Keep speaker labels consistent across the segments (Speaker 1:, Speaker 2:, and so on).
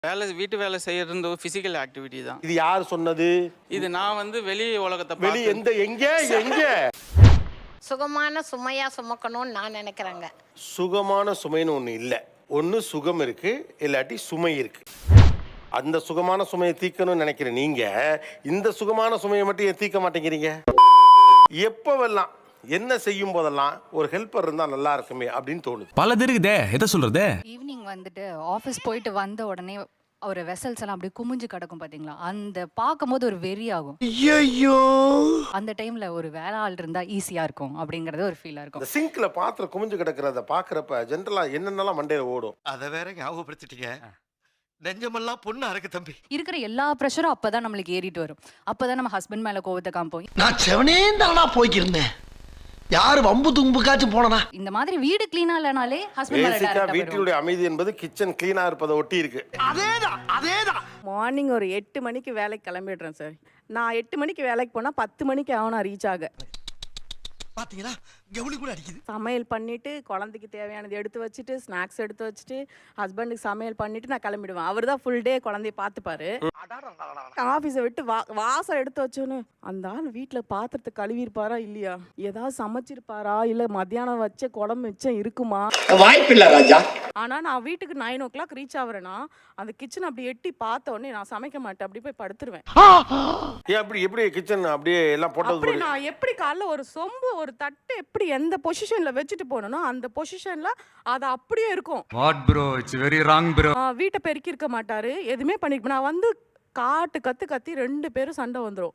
Speaker 1: வீட்டு வேலை செய்யறது ஃபிசிக்கல் ஆக்டிவிட்டி தான்.
Speaker 2: இது யார் சொன்னது?
Speaker 1: இது நான் வந்து வெளி உலகத்தை
Speaker 2: வெளி எங்க
Speaker 3: சுகமான சுமையா சுமக்கணும்னு நான் நினைக்கிறேங்க.
Speaker 2: சுகமான சுமைன்னு ஒண்ணு இல்ல. ஒண்ணு சுகம் இருக்கு, இல்லாட்டி சுமை இருக்கு. அந்த சுகமான சுமையை தீர்க்கணும்னு நினைக்கிற நீங்க இந்த சுகமான சுமையை மட்டும் ஏன் தீர்க்க மாட்டேங்கிறீங்க? எப்பவெல்லாம் என்ன செய்யும் போதெல்லாம் ஒரு ஹெல்ப்பர் இருந்தா நல்லா இருக்குமே அப்படின்னு தோணுது.
Speaker 4: பல இருக்குதே, எதை சொல்றது?
Speaker 5: ஈவினிங் வந்துட்டு ஆஃபீஸ் போயிட்டு வந்த உடனே ஒரு வெசல்ஸ் எல்லாம் அப்படியே குமிஞ்சு கிடக்கும் பாத்தீங்களா, அந்த பார்க்கும்போது ஒரு வெறி ஆகும்.
Speaker 2: ஐயோ,
Speaker 5: அந்த டைம்ல ஒரு வேலை ஆள் இருந்தா ஈஸியா இருக்கும் அப்படிங்கறது ஒரு ஃபீலா இருக்கும்.
Speaker 2: இந்த சிங்க்ல பாத்திரம் குமிஞ்சு கிடக்கிறத பாக்குறப்ப ஜென்ரலா என்னென்னலாம் மண்டையில ஓடும்.
Speaker 6: அதை வேற ஞாபகப்படுத்திட்டீங்க. நெஞ்சமெல்லாம் பொண்ணு அறக்கு தம்பி.
Speaker 5: இருக்கிற எல்லா ப்ரெஷரும் அப்பதான் நம்மளுக்கு ஏறிட்டு வரும். அப்பதான் நம்ம ஹஸ்பண்ட் மேல கோவத்தை காமிப்போம்.
Speaker 7: நான் செவனேந்தானா போய்க்கிருந்தேன். யாரு வம்பு தும்புக்காச்சும் போனா
Speaker 5: இந்த மாதிரி வீடு கிளீனா இல்லனாலே ஹஸ்பண்ட் மேல
Speaker 2: பேசிக்கா
Speaker 5: டைரக்டா
Speaker 2: வீட்டினுடைய அமைதி என்பது கிச்சன் கிளீனா இருப்பதை ஒட்டி இருக்கு.
Speaker 7: அதேதான்
Speaker 8: மார்னிங் ஒரு 8 மணிக்கு வேலைக்கு கிளம்பிடுறேன் சார். நான் 8 மணிக்கு வேலைக்கு போனால் 10 மணிக்கு ஆகும் நான் ரீச் ஆக.
Speaker 7: பாத்தீங்களா, கவுளி கூட அடிக்குது.
Speaker 8: சமையல் பண்ணிவிட்டு குழந்தைக்கு தேவையானது எடுத்து வச்சுட்டு ஸ்நாக்ஸ் எடுத்து வச்சுட்டு ஹஸ்பண்டுக்கு சமையல் பண்ணிவிட்டு நான் கிளம்பிடுவேன். அவர் தான் ஃபுல் டே குழந்தைய பார்த்துப்பாரு. ஆஃபீஸை விட்டு வாசல் எடுத்து வச்சோன்னு அந்த ஆள் வீட்டில் பாத்திரத்தை கழுவிருப்பாரா இல்லையா, ஏதாவது சமைச்சிருப்பாரா, இல்லை மத்தியானம் வச்ச குழம்பு மிச்சம் இருக்குமா?
Speaker 7: வாய்ப்பில்லை ராஜா.
Speaker 8: ஆனால் நான் வீட்டுக்கு 9 o'clock ரீச் ஆகிறேன்னா அந்த கிச்சன் அப்படி எட்டி பார்த்த உடனே நான் சமைக்க மாட்டேன், அப்படி போய் படுத்துருவேன்.
Speaker 2: எப்படி கிச்சன் அப்படியே எல்லாம்
Speaker 8: அப்படி
Speaker 2: போட்டது.
Speaker 8: நான் எப்படி காலைல ஒரு சொம்பு ஒரு தட்டு எப்படி எந்த பொசிஷன்ல வச்சுட்டு போனனோ அந்த பொசிஷன்ல அது அப்படியே இருக்கும்.
Speaker 4: What bro, it's very wrong bro.
Speaker 8: வீட்டை பெருக்கி இருக்க மாட்டாரு, எதுவுமே பண்ணிருக்க. நான் வந்து கத்தி 2 பேரும் சண்டை வந்துரும்.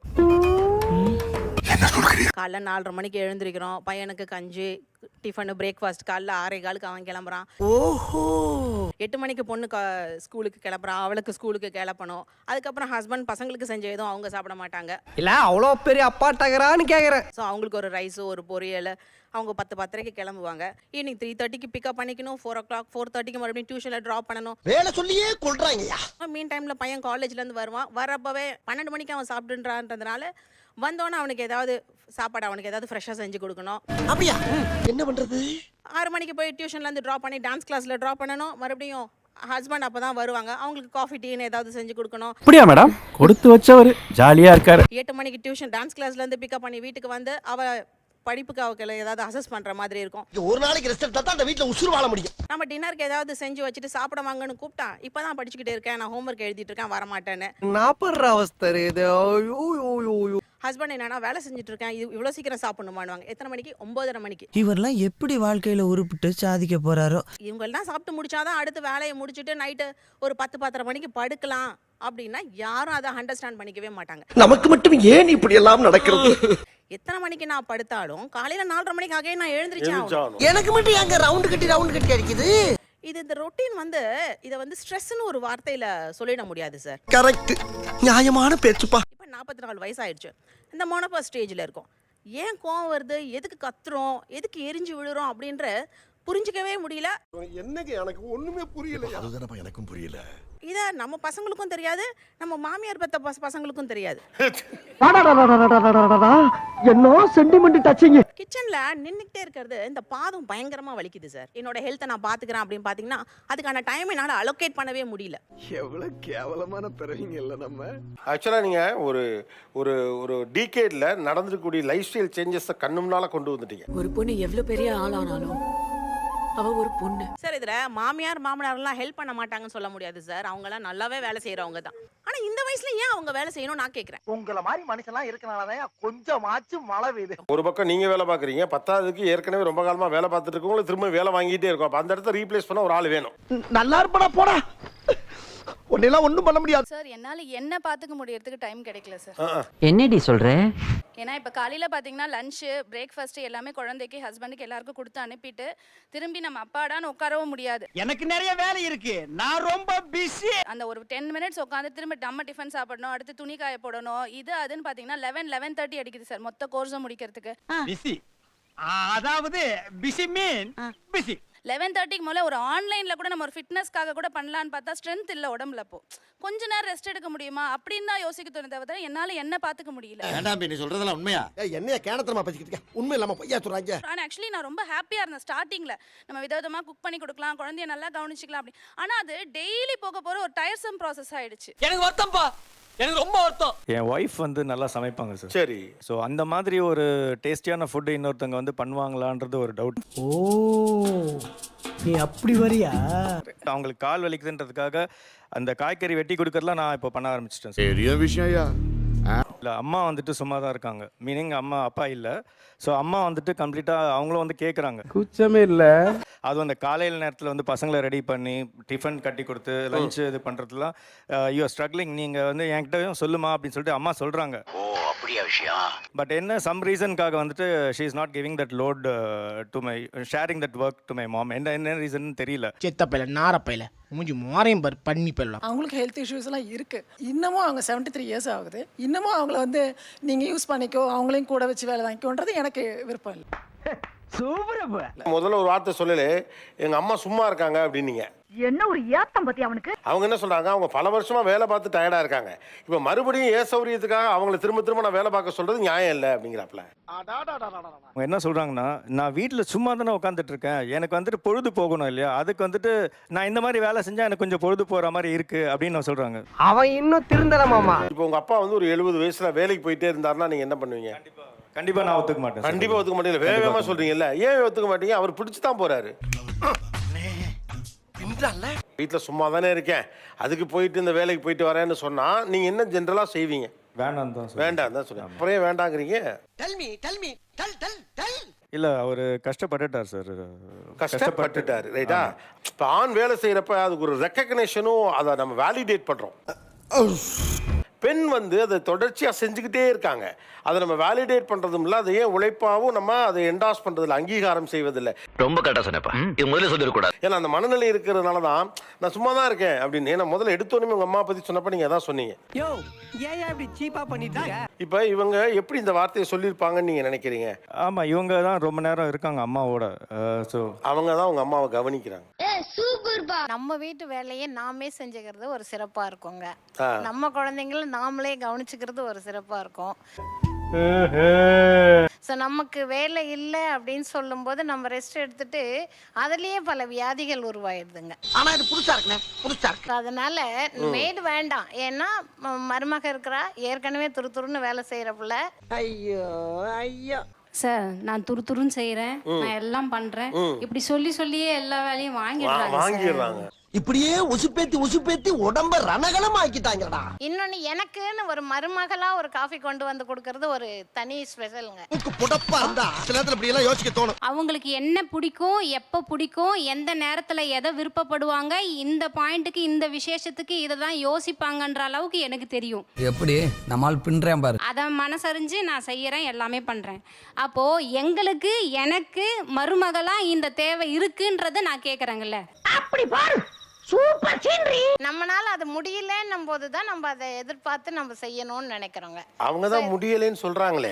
Speaker 3: காலைல 4:30 மணிக்கு எழுந்திருக்கிறோம், பையனுக்கு கஞ்சி டிஃபனு பிரேக்ஃபாஸ்ட். காலைல 6:15 அவன் கிளம்புறான்.
Speaker 7: ஓஹோ,
Speaker 3: 8 மணிக்கு பொண்ணு ஸ்கூலுக்கு கிளம்புறான், அவளுக்கு ஸ்கூலுக்கு கிளப்பணும். அதுக்கப்புறம் ஹஸ்பண்ட் பசங்களுக்கு செஞ்ச எதுவும் அவங்க சாப்பிட மாட்டாங்க.
Speaker 7: இல்ல அவ்வளோ பெரிய அப்பா டகரான்னு கேக்குறேன்.
Speaker 3: ஸோ அவங்களுக்கு ஒரு ரைஸு ஒரு பொரியல். அவங்க 10:10 கிளம்புவாங்க. ஈவினிங் 3:30 பிக்கப் பண்ணிக்கணும். 4 o'clock 4:30 மறுபடியும் டியூஷனில் ட்ராப் பண்ணணும்.
Speaker 7: வேலை சொல்லியே கொள்றாங்கய்யா.
Speaker 3: மீன் டைமில் பையன் காலேஜ்லேருந்து வருவான். வரப்பவே 12 மணிக்கு அவன் சாப்பிட்டுன்றான்றதுனால வந்தோன்னே அவனுக்கு ஏதாவது சாப்பாடு அவனுக்கு ஏதாவது ஃப்ரெஷ்ஷாக செஞ்சு கொடுக்கணும்.
Speaker 7: அப்படியா, என்ன பண்றது?
Speaker 3: 6 மணிக்கு போய் டியூஷன்லேருந்து ட்ராப் பண்ணி டான்ஸ் கிளாஸில் ட்ராப் பண்ணணும். மறுபடியும் ஹஸ்பண்ட் அப்போ தான் வருவாங்க, அவங்களுக்கு காஃபி டீன்னு ஏதாவது செஞ்சு கொடுக்கணும்.
Speaker 4: அப்படியா மேடம், கொடுத்து வச்சவர் ஜாலியா இருக்காரு.
Speaker 3: 8 மணிக்கு டியூஷன் டான்ஸ் கிளாஸ்லேருந்து பிக்கப் பண்ணி வீட்டுக்கு வந்து படிப்புக்கு அவங்களை ஏதாவது அசஸ் பண்ணுற மாதிரி இருக்கும்.
Speaker 7: ஒரு நாளைக்கு ரெஸ்ட் எடுத்தா தான் அந்த வீட்டில் உசுறு வாழ முடியும்.
Speaker 3: நம்ம டின்னருக்கு ஏதாவது செஞ்சு வச்சுட்டு சாப்பிட வாங்கன்னு கூப்பிட்டா இப்போ தான் படிச்சுக்கிட்டே இருக்கேன், நான் ஹோம்ஒர்க் எழுதிட்டு இருக்கேன், வரமாட்டேன்னு.
Speaker 7: நாப்படுற அவஸ்தை இது.
Speaker 3: ஹஸ்பண்ட் என்னன்னா வேலை செஞ்சுட்டு இருக்கேன், இவ்வளோ சீக்கிரம் சாப்பிடணுமானுவாங்க. எத்தனை மணிக்கு? 9:30 மணிக்கு.
Speaker 9: இவரெல்லாம் எப்படி வாழ்க்கையில உருப்பிட்டு சாதிக்க போறாரோ.
Speaker 3: இவங்கெல்லாம் சாப்பிட்டு முடிச்சாதான் அடுத்து வேலையை முடிச்சுட்டு நைட்டு ஒரு 10-10:30 மணிக்கு படுக்கலாம் அப்படின்னா யாரும் அதை அண்டர்ஸ்டாண்ட் பண்ணிக்கவே மாட்டாங்க.
Speaker 7: நமக்கு மட்டும் ஏன் இப்படி எல்லாம் நடக்கிறது?
Speaker 3: எத்தனை மணிக்கு நான் படுத்தாலும் காலையில 4:30 மணிக்கு ஆகவே நான் எழுந்திரிச்சேன்.
Speaker 7: எனக்கு மட்டும் எங்க ரவுண்டு கட்டி அடிக்குது.
Speaker 3: இந்த ரொட்டீன் வந்து இதை வந்து ஸ்ட்ரெஸ்ன்னு ஒரு வார்த்தையில சொல்லிட முடியாது சார்.
Speaker 7: கரெக்ட், நியாயமான பேச்சுப்பா.
Speaker 3: இப்போ 44 வயசு ஆயிடுச்சு, இந்த மோனோபாஸ் ஸ்டேஜில் இருக்கும். ஏன் கோவம் வருது, எதுக்கு கத்துறோம், எதுக்கு எரிஞ்சு விழுறோம் அப்படின்ற புரிஞ்சிக்கவே முடியல.
Speaker 2: என்னங்க எனக்கு ஒண்ணுமே புரியல.
Speaker 6: அதுதானப்பா எனக்கும் புரியல.
Speaker 3: இதை நம்ம பசங்களுக்கும் தெரியாது, நம்ம மாமியார் பெத்த பசங்களுக்கும் தெரியாது.
Speaker 7: என்ன சென்டிமெண்ட் டச்சிங்.
Speaker 3: கிச்சன்ல நின்னுக்கிட்டே இருக்கிறது இந்த பாதம் பயங்கரமா வலிக்குது சார். என்னோட ஹெல்த்தை நான் பாத்துக்கிறேன் அப்படின்னு பாத்தீங்கன்னா அதுக்கான டைம் என்னால அலோகேட் பண்ணவே முடியல.
Speaker 6: எவ்வளவு கேவலமான பிறவிங்க இல்ல நம்ம.
Speaker 2: ஆக்சுவலா நீங்க ஒரு ஒரு ஒரு டீகேட்ல நடந்துக்கூடிய லைஃப் ஸ்டைல் சேஞ்சஸ் கண்ணு முன்னால கொண்டு வந்துட்டீங்க.
Speaker 10: ஒரு பொண்ணு எவ்வளவு பெரிய ஆளானாலும் அவ ஒரு பொண்ணு
Speaker 3: சார். இதுல மாமியார் மாமனார்லாம் ஹெல்ப் பண்ண மாட்டாங்கன்னு சொல்ல முடியாது சார், அவங்க எல்லாம் நல்லாவே வேலை செய்யறவங்க தான். ஆனா இந்த வயசுல ஏன் அவங்க வேலை செய்யணும் நான் கேக்குறேன்.
Speaker 7: உங்கள மாதிரி மனுஷன்லாம் இருக்கனாலதான் கொஞ்சமாச்சும் மழை பெய்யுது.
Speaker 2: ஒரு பக்கம் நீங்க வேலை பாக்குறீங்க, 10ஆவதுக்கு ஏற்கனவே ரொம்ப காலமா வேலை பார்த்துட்டு இருக்கவங்க திரும்ப வேலை வாங்கிட்டே இருக்கும். அப்ப அந்த இடத்த ரீப்ளேஸ் பண்ண ஒரு ஆள் வேணும்.
Speaker 7: நல்லா இருப்படா போடா, ஒன்னெல்லாம் ஒண்ணும் பண்ண முடியாது
Speaker 5: சார். என்னால என்ன பாத்துக்க முடியறதுக்கு டைம் கிடைக்கல சார்.
Speaker 9: என்னடி சொல்ற?
Speaker 5: ஏன்னா இப்ப காலையில பாத்தீங்கன்னா லஞ்ச் பிரேக்ஃபாஸ்ட் எல்லாமே குழந்தைக்கு ஹஸ்பண்டுக்கு எல்லாருக்கும் கொடுத்து அனுப்பிட்டு திரும்பி நம்ம அப்பாடான்னு உட்காரவும் முடியாது.
Speaker 7: எனக்கு நிறைய வேலை இருக்கு, நான் ரொம்ப பிஸி.
Speaker 5: அந்த ஒரு 10 மினிட்ஸ் உட்காந்து திரும்ப நம்ம டிஃபன் சாப்பிடணும், அடுத்து துணி காய போடணும், இது அதுன்னு பாத்தீங்கன்னா 11:30 அடிக்குது சார் மொத்த கோர்ஸும் முடிக்கிறதுக்கு.
Speaker 7: பிஸி அதாவது பிஸி மீன் பிஸி
Speaker 5: 11:30க்கு மேலே ஒரு ஆன்லைனில் கூட நம்ம ஒரு ஃபிட்னஸ்க்காக கூட பண்ணலான்னு பார்த்தா ஸ்ட்ரென்த் இல்லை உடம்புல. அப்போ கொஞ்ச நேரம் ரெஸ்ட் எடுக்க முடியுமா அப்படின்னு தான் யோசிக்க தோணுதே தவிர என்னால் என்ன பார்த்துக்க முடியல.
Speaker 6: வேண்டாம் நீ சொல்றதெல்லாம் உண்மையா?
Speaker 7: என்னைய கேனத்தனமா பேசிக்கிட்டு உண்மை இல்லாம பொய்யா சொல்றாங்க.
Speaker 5: ஆனால் ஆக்சுவலி நான் ரொம்ப ஹாப்பியாக இருந்தேன் ஸ்டார்டிங்கில். நம்ம விதவிதமாக குக் பண்ணி கொடுக்கலாம், குழந்தைய நல்லா கவனிச்சிக்கலாம் அப்படி. ஆனால் அது டெய்லி போக போகிற ஒரு டயர்சம் ப்ராசஸ் ஆயிடுச்சு.
Speaker 10: எனக்கு வருத்தம்ப்பா, எனக்கு ரொம்ப வருத்தம்.
Speaker 4: என் ஒய்ஃப் வந்து நல்லா சமைப்பாங்க சார்.
Speaker 2: சரி.
Speaker 4: ஸோ அந்த மாதிரி ஒரு டேஸ்டியான ஃபுட்டு இன்னொருத்தவங்க வந்து பண்ணுவாங்களான்றது ஒரு டவுட்.
Speaker 7: ஓ நீ அப்படி வரியா?
Speaker 4: அவங்களுக்கு கால் வலிக்குதுன்றதுக்காக அந்த காய்கறி வெட்டி கொடுக்கறதுலாம் நான் இப்போ பண்ண ஆரம்பிச்சிட்டேன்.
Speaker 6: பெரிய விஷயம்.
Speaker 4: இல்லை, அம்மா வந்துட்டு சும்மா தான் இருக்காங்க. மீனிங் அம்மா அப்பா இல்லை. ஸோ அம்மா வந்துட்டு கம்ப்ளீட்டாக அவங்களும் வந்து கேட்குறாங்க.
Speaker 7: குச்சமே இல்லை.
Speaker 4: அதுவும் அந்த காலையில் நேரத்தில் வந்து பசங்களை ரெடி பண்ணி டிஃபன் கட்டி கொடுத்து லஞ்ச் இது பண்ணுறதுலாம் யூ ஆர் ஸ்ட்ரகிளிங், நீங்கள் வந்து என்கிட்டயும் சொல்லுமா அப்படின்னு சொல்லிட்டு அம்மா சொல்கிறாங்க.
Speaker 7: ஓ அப்படியா விஷயம்?
Speaker 4: பட் என்ன சம் ரீசனுக்காக வந்துட்டு she is not giving that load to my sharing that work to my mom. என்ன ரீசன் தெரியல.
Speaker 7: செத்தப்பையில நாரப்பையில மூஞ்சி மாறையும் பாரு பண்ணி போயிடலாம்.
Speaker 10: அவங்களுக்கு ஹெல்த் இஷ்யூஸ் எல்லாம் இருக்கு. இன்னமும் அவங்க 73 இயர்ஸ் ஆகுது. இன்னமும் அவங்கள வந்து நீங்க யூஸ் பண்ணிக்கோ, அவங்களையும் கூட வச்சு வேலை வாங்கிக்கோன்றது எனக்கு விருப்பம் இல்லை.
Speaker 2: முதல்ல ஒரு வார்த்தை சொல்லல, எங்க அம்மா சும்மா இருக்காங்க அப்படின்னீங்க.
Speaker 8: என்ன ஒரு ஏத்தம் பத்தி அவனுக்கு.
Speaker 2: அவங்க என்ன சொல்றாங்க, அவங்க பல வருஷமா வேலை பார்த்து டயர்டா இருக்காங்க. இப்ப மறுபடியும் சௌரியத்துக்காக அவங்களை திரும்ப திரும்ப நான் வேலை பார்க்க சொல்றது நியாயம் இல்லை அப்படிங்கிறாப்ல.
Speaker 4: அவங்க என்ன சொல்கிறாங்கன்னா, நான் வீட்டில் சும்மா தானே உட்காந்துட்டு இருக்கேன், எனக்கு வந்துட்டு பொழுது போகணும் இல்லையா, அதுக்கு வந்துட்டு நான் இந்த மாதிரி வேலை செஞ்சால் எனக்கு கொஞ்சம் பொழுது போகிற மாதிரி இருக்குது அப்படின்னு நான் சொல்கிறாங்க.
Speaker 7: அவன் இன்னும் திருந்தலமாமா.
Speaker 2: இப்போ உங்க அப்பா வந்து ஒரு 70 வயசுல வேலைக்கு போயிட்டே இருந்தாருன்னா நீங்க என்ன பண்ணுவீங்க?
Speaker 4: கண்டிப்பாக நான் ஒத்துக்க மாட்டேன்.
Speaker 2: கண்டிப்பா ஒத்துக்க மாட்டீங்க. வேகமா சொல்றீங்கல்ல, ஏன் ஒத்துக்க மாட்டீங்க? அவர் பிடிச்சு தான் போறாரு. வீட்டில் சும்மா தானே இருக்கேன், அதுக்கு போயிட்டு இந்த வேலைக்கு போயிட்டு வரேன்னு சொன்னா நீங்க என்ன ஜென்ரலா செய்வீங்க?
Speaker 4: வேண்டாம் தான் சொல்றேன்.
Speaker 2: வேண்டாம் தான் சொல்றேன். அப்புறம் வேண்டாங்கிறீங்க?
Speaker 4: இல்லை, அவர் கஷ்டப்பட்டுட்டார் சார்.
Speaker 2: கஷ்டப்பட்டுட்டாரு, ரைட்டா? இப்போ ஆண் வேலை செய்யறப்ப அதுக்கு ஒரு ரெக்கக்னேஷனும் அதை நம்ம வேலிடேட் பண்றோம். பெண் வந்து அதை தொடர்ச்சியா செஞ்சுக்கிட்டே இருக்காங்க. அதை நம்ம வேலிடேட் பண்றதும் இல்லை, அதை ஏன் உழைப்பாவும் நம்ம அதை என்டாஸ் பண்றதில்லை, அங்கீகாரம் செய்வதில்லை.
Speaker 6: ரொம்ப கரெக்டா சொன்னப்பா. இது முதல்ல சொல்லிடக்கூடாது.
Speaker 2: ஏன்னா அந்த மனநிலை இருக்கிறதுனால தான் நான் சும்மா தான் இருக்கேன் அப்படின்னு. ஏன்னா முதல்ல எடுத்தோன்னே உங்க அம்மா பத்தி சொன்னப்ப நீங்க அதான் சொன்னீங்க.
Speaker 7: யோ ஏன் இப்படி சீப்பா பண்ணிட்டு இருக்க?
Speaker 2: இப்போ இவங்க எப்படி இந்த வார்த்தையை சொல்லியிருப்பாங்கன்னு நீங்க நினைக்கிறீங்க?
Speaker 4: ஆமாம், இவங்க தான் ரொம்ப நேரம் இருக்காங்க அம்மாவோட. ஸோ
Speaker 2: அவங்க தான் உங்க அம்மாவை கவனிக்கிறாங்க.
Speaker 8: நம்ம வீட்டு வேலையை நாமே செஞ்சுக்கிறது ஒரு சிறப்பா இருக்குங்க.
Speaker 2: ஆ.
Speaker 8: நம்ம குழந்தைங்கள நாமளே கவனிச்சுக்கிறது ஒரு சிறப்பா இருக்கும். ஸோ நமக்கு வேலை இல்லை அப்படின்னு சொல்லும்போது நம்ம ரெஸ்ட் எடுத்துட்டு அதுலயே பல வியாதிகள் உருவாயிடுதுங்க.
Speaker 7: ஆனா இது புதுசா இருக்குனே, புதுசா இருக்கு.
Speaker 8: அதனால மேடு வேண்டாம். ஏன்னா மருமக இருக்கிறா, ஏற்கனவே துருதுருன்னு வேலை செய்யறப்புல.
Speaker 7: ஐயோ ஐயோ.
Speaker 5: சார், நான் துருதுருன்னு செய்கிறேன், நான் எல்லாம் பண்ணுறேன், இப்படி சொல்லி சொல்லியே எல்லா வேலையும்
Speaker 2: வாங்கிடுறாங்க.
Speaker 7: இப்படியே உசுப்பேத்தி உடம்ப ரணகலம் ஆக்கிட்டாங்கடா.
Speaker 8: இன்னொன்னு, எனக்குன்னு ஒரு மருமகளா ஒரு காஃபி கொண்டு வந்து கொடுக்கறது ஒரு தனி ஸ்பெஷலுங்க.
Speaker 7: புடப்பா இருந்தா சில நேரத்துல இப்படி எல்லாம் யோசிக்க தோணும்.
Speaker 5: அவங்களுக்கு என்ன பிடிக்கும், எப்போ பிடிக்கும், எந்த நேரத்தில் எதை விருப்பப்படுவாங்க, இந்த பாயிண்ட்டுக்கு இந்த விசேஷத்துக்கு இதை தான் யோசிப்பாங்கன்ற அளவுக்கு எனக்கு தெரியும்.
Speaker 9: எப்படி நம்மால் பின்றேன் பாரு.
Speaker 5: அதை மனசறிஞ்சு நான் செய்யறேன், எல்லாமே பண்றேன். அப்போ எங்களுக்கு எனக்கு மருமகளா இந்த தேவை இருக்குன்றத நான் கேக்குறேங்கல்ல.
Speaker 8: அப்படி பாரு, சூப்பர் சீனரி. நம்மனால அது முடியலன்னும் போது தான் நம்ம அதை எதிர்பார்த்து நம்ம செய்யணும்னு நினைக்கிறோங்க.
Speaker 2: அவங்க தான் முடியலைன்னு சொல்றாங்களே.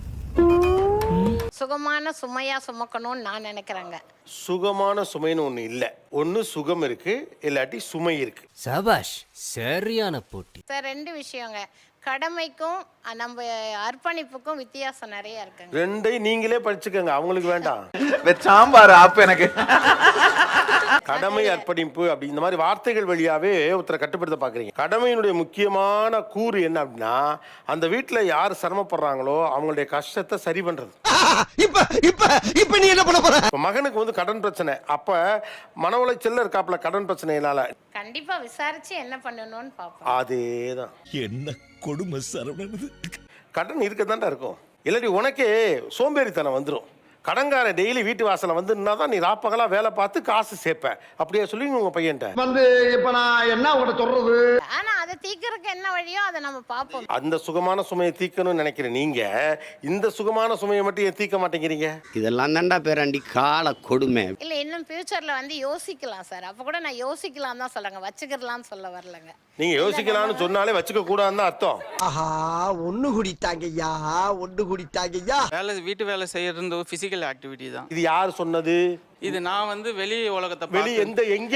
Speaker 8: சுகமான சுமையா சுமக்கணும்னு நான் நினைக்கிறேங்க.
Speaker 2: சுகமான சுமைன்னு ஒண்ணு இல்ல. ஒண்ணு சுகம் இருக்கு, இல்லாட்டி சுமை இருக்கு.
Speaker 9: சபாஷ், சரியான போட்டி.
Speaker 8: சார், ரெண்டு விஷயங்க. கடமைக்கும் நம்ம அர்ப்பணிப்புக்கும் வித்தியாசம் நிறைய இருக்குங்க.
Speaker 2: ரெண்டையும் நீங்களே படிச்சுக்கங்க, அவங்களுக்கு வேண்டாம்.
Speaker 4: சாம்பார் ஆப் எனக்கு.
Speaker 2: கடமை, அர்ப்பணிப்பு அப்படி இந்த மாதிரி வார்த்தைகள் வழியாவே ஒருத்தரை கட்டுப்படுத்த பாக்குறீங்க. கடமையினுடைய முக்கியமான கூறு என்ன அப்படின்னா, அந்த வீட்டுல யார் சிரமப்படுறாங்களோ அவங்களுடைய கஷ்டத்தை சரி பண்றது.
Speaker 7: இப்ப இப்ப இப்ப நீ என்ன பண்ண போற?
Speaker 2: மகனுக்கு வந்து கடன் பிரச்சனை, அப்ப மன உளைச்சல்ல இருக்காப்ல கடன் பிரச்சனையினால.
Speaker 8: கண்டிப்பா விசாரிச்சு என்ன பண்ணணும்னு பாப்போம்.
Speaker 2: அதேதான்.
Speaker 6: என்ன கொடுமை சரவணன்.
Speaker 2: கடன் இருக்கதான்டா இருக்கும், இல்லாட்டி உனக்கே சோம்பேறித்தனம் வந்துடும். கடன்கார டெய்லி வீட்டு வாசல வந்து தான் நீ ராப்பகலா வேலை பார்த்து காசு சேர்ப்ப. அப்படியே சொல்லி உங்க பையன்ட்ட
Speaker 7: வந்து இப்ப நான் என்ன உங்கள்ட்ட சொல்றது?
Speaker 8: ஆனா அது
Speaker 11: அதை தீர்க்கறதுக்கு என்ன வழியோ அதை நம்ம பார்ப்போம்.
Speaker 2: அந்த சுகமான சுமையை தீக்கணும்னு நினைக்கிற நீங்க இந்த சுகமான சுமையை மட்டும் ஏன் தீர்க்க மாட்டேங்கிறீங்க?
Speaker 9: இதெல்லாம் தான்டா பேராண்டி கால கொடுமை.
Speaker 11: இல்ல இன்னும் ஃபியூச்சர்ல வந்து யோசிக்கலாம் சார். அப்ப கூட நான் யோசிக்கலாம் தான் சொல்லுங்க, வச்சுக்கிறலாம்னு சொல்ல வரலங்க.
Speaker 2: நீங்க யோசிக்கலாம்னு சொன்னாலே வச்சுக்க கூடாதுன்னு அர்த்தம்.
Speaker 7: ஆஹா ஒண்ணு குடித்தாங்கய்யா ஒண்ணு குடித்தாங்கய்யா.
Speaker 1: வீட்டு வேலை செய்யறது ஒரு ஃபிசிக்கல் ஆக்டிவிட்டி தான்.
Speaker 2: இது யார் சொன்னது?
Speaker 1: இது நான் வந்து வெளி உலகத்தை
Speaker 2: வெளி எங்க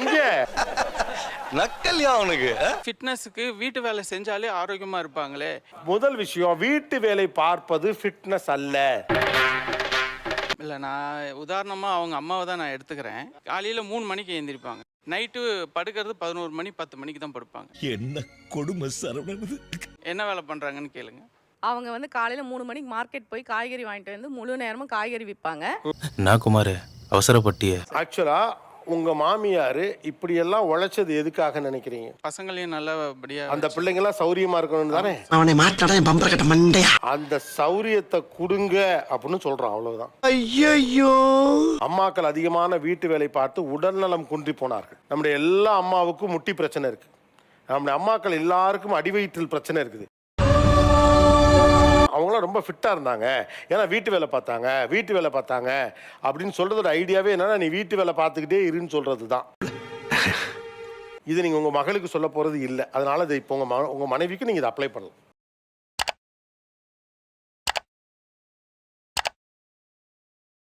Speaker 6: நக்கல்யா அவனுக்கு.
Speaker 1: ஃபிட்னஸ்க்கு வீட்டு வேலை செஞ்சாலே ஆரோக்கியமா இருப்பாங்களே.
Speaker 2: முதல் விஷயம், வீட்டு வேலை பார்ப்பது ஃபிட்னஸ் அல்ல.
Speaker 1: இல்லை, நான் உதாரணமாக அவங்க அம்மாவை தான் நான் எடுத்துக்கிறேன். காலையில் 3 மணிக்கு எழுந்திருப்பாங்க, நைட்டு படுக்கிறது 11 மணி 10 மணிக்கு தான் படுப்பாங்க.
Speaker 6: என்ன கொடுமை சரவணன்.
Speaker 1: என்ன வேலை பண்ணுறாங்கன்னு கேளுங்க.
Speaker 8: அவங்க வந்து காலையில் 3 மணிக்கு மார்க்கெட் போய் காய்கறி வாங்கிட்டு வந்து முழு நேரமும் காய்கறி விற்பாங்க.
Speaker 9: நான் குமார் அவசரப்பட்டிய.
Speaker 2: ஆக்சுவலா உங்க மாமியார் இப்படி எல்லாம் உழைச்சது எதுக்காக நினைக்கிறீங்க?
Speaker 1: பசங்களையும் நல்லபடியா
Speaker 2: அந்த பிள்ளைங்க எல்லாம் சௌரியமா இருக்கணும் தானே.
Speaker 7: அவனை மாட்டாடா என் பம்பர கட்ட மண்டையா.
Speaker 2: அந்த சௌரியத்தை கொடுங்க அப்படின்னு சொல்றான், அவ்வளவுதான்.
Speaker 7: ஐயோ
Speaker 2: அம்மாக்கள் அதிகமான வீட்டு வேலை பார்த்து உடல்நலம் குன்றி போனார்கள். நம்முடைய எல்லா அம்மாவுக்கும் முட்டி பிரச்சனை இருக்கு. நம்முடைய அம்மாக்கள் எல்லாருக்கும் அடிவயிற்றில் பிரச்சனை இருக்குது. அவங்களாம் ரொம்ப ஃபிட்டாக இருந்தாங்க, ஏன்னா வீட்டு வேலை பார்த்தாங்க அப்படின்னு சொல்கிறதோட ஐடியாவே என்னன்னா, நீ வீட்டு வேலை பார்த்துக்கிட்டே இருன்னு சொல்கிறது தான். இது நீங்கள் உங்கள் மகளுக்கு சொல்ல போகிறது இல்லை. அதனால் இதை இப்போ உங்கள் மனைவிக்கு நீங்கள் இதை அப்ளை பண்ணலாம்.